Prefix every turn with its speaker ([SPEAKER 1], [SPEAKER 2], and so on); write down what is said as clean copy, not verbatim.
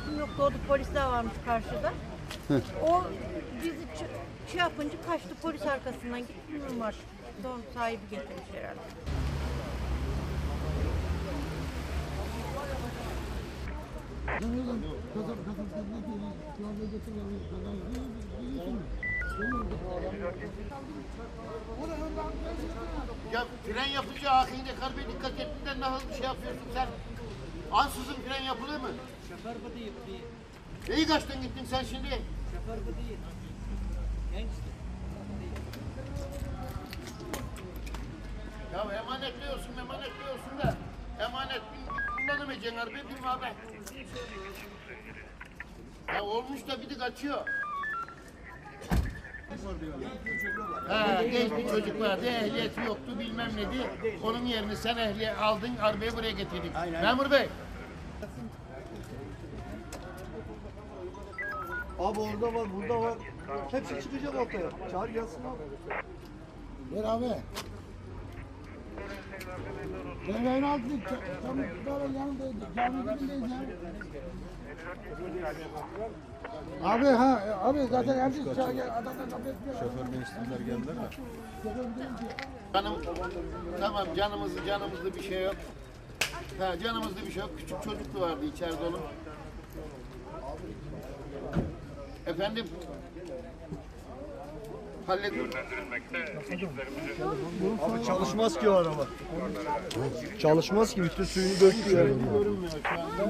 [SPEAKER 1] emniyetim yoktu. Orada polisler varmış karşıda. O bizi şey yapınca kaçtı, polis arkasından gitti. Bilmiyorum artık. Son sahibi getirmiş herhalde.
[SPEAKER 2] Ya fren yapınca ahinde karbeye dikkat ettiğinden nasıl bir şey yapıyorsun sen? Ansızın fren yapılır mı?
[SPEAKER 3] Şoför bu değil.
[SPEAKER 2] Neyi kaçtın gittin sen şimdi?
[SPEAKER 3] Şoför bu değil. Gençti.
[SPEAKER 2] Ya emanetliyorsun da emanet kullanamayacaksın harbi bir abi. Ya olmuş da bir de kaçıyor. Ha, genç bir çocuk vardı, ehliyeti yoktu bilmem neydi. Onun yerine sen ehliyet aldın, arabayı buraya getirdin. Memur Bey.
[SPEAKER 4] Abi orada var, burada var. Hepsi çıkacak ortaya. Çağır gelsin abi.
[SPEAKER 5] Ver abi. Devrenin altında tam böyle yanındaydı. Cami dibindeyiz ya. Abi abi zaten herkes adamlar kabul etmiyor. Şoför değiştirdiler geldiler mi?
[SPEAKER 2] Canım, tamam canımızda bir şey yok. Ha, canımızda bir şey yok. Küçük çocuk da vardı içeride onun. Efendim? Halledin.
[SPEAKER 4] Abi çalışmaz ki o araba. Çalışmaz ki bütün suyunu döktü ya.
[SPEAKER 2] Görünmüyor şu anda.